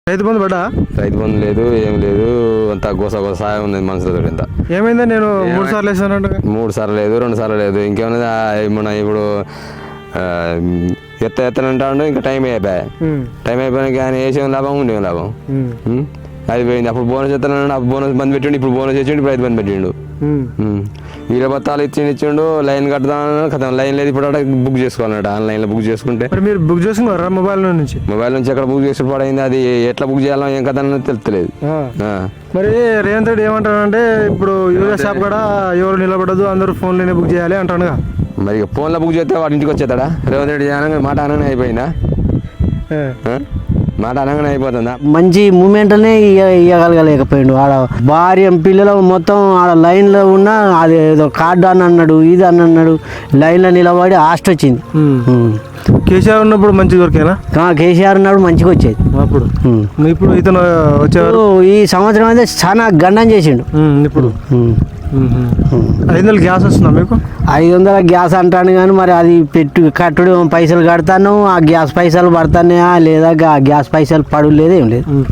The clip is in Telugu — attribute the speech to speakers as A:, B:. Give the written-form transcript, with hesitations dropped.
A: రైతు బంధు పడ్డా?
B: రైతు బంధు లేదు, ఏం లేదు. అంత గోస సాయం ఉంది మనుషులతో. ఇంత
A: ఏమైందా? నేను 3 సార్లు వేసాను.
B: 3 సార్లు లేదు, 2 సార్లు లేదు. ఇంకేమన్నా మన ఇప్పుడు ఎత్తనంటాడు. ఇంకా టైం అయిపోయినాక ఆయన వేసేం లాభం, ఉండేం లాభం. అది పోయింది. అప్పుడు బోనస్ ఎత్తానంటే అప్పుడు బోనస్ బంద్ పెట్టిండు, ఇప్పుడు బోనస్ ఇచ్చిండు, ఇప్పుడు రైతు బంద్ పెట్టిండు. వీళ్ళ బత్తాలు ఇచ్చిండు, లైన్ కడతాను కదా. లైన్ లేదు, ఇప్పుడు బుక్ చేసుకోవాలన్నట్టు. ఆన్లైన్లో బుక్ చేసుకుంటే.
A: మీరు బుక్ చేసుకున్నారా మొబైల్ నుంచి?
B: మొబైల్ నుంచి ఎక్కడ బుక్ చేసి పడైంది, అది ఎట్లా బుక్ చేయాలో ఏం కదా అని తెలుస్తలేదు.
A: మరి రేవంత్ రెడ్డి ఏమంటాడంటే ఇప్పుడు యూరియా షాప్ కూడా ఎవరు నిలబడదు, అందరూ ఫోన్లోనే బుక్ చేయాలి అంటాడుగా.
B: మరి ఇక ఫోన్లో బుక్ చేస్తే వాడి ఇంటికి వచ్చేస్తాడా? రేవంత్ రెడ్డి మాట అనగానే అయిపోయిందా? మాట అనగానే అయిపోతుందా?
C: మంచి మూమెంట్నే ఇవ్వగలగలేకపోయిండు. ఆడ భార్య పిల్లలు మొత్తం ఆడ లైన్లో ఉన్న, అది ఏదో కార్డు అని అన్నాడు, ఇది అని అన్నాడు. లైన్లో నిలబడి హాస్ట్ వచ్చింది.
A: కేసీఆర్ ఉన్నప్పుడు మంచిగా దొరికేనా?
C: కేసీఆర్ ఉన్నాడు, మంచిగా వచ్చేది
A: అప్పుడు. ఇప్పుడు ఇతను వచ్చేవారు.
C: ఈ సంవత్సరం అయితే చాలా గండం చేసిండు.
A: ఇప్పుడు 500 గ్యాస్ వస్తుందా మీకు?
C: 500 గ్యాస్ అంటాను కానీ మరి అది కట్టుడు పైసలు కడతాను, ఆ గ్యాస్ పైసలు పడతానే లేదా గ్యాస్ పైసలు పడు లేదు, ఏం లేదు.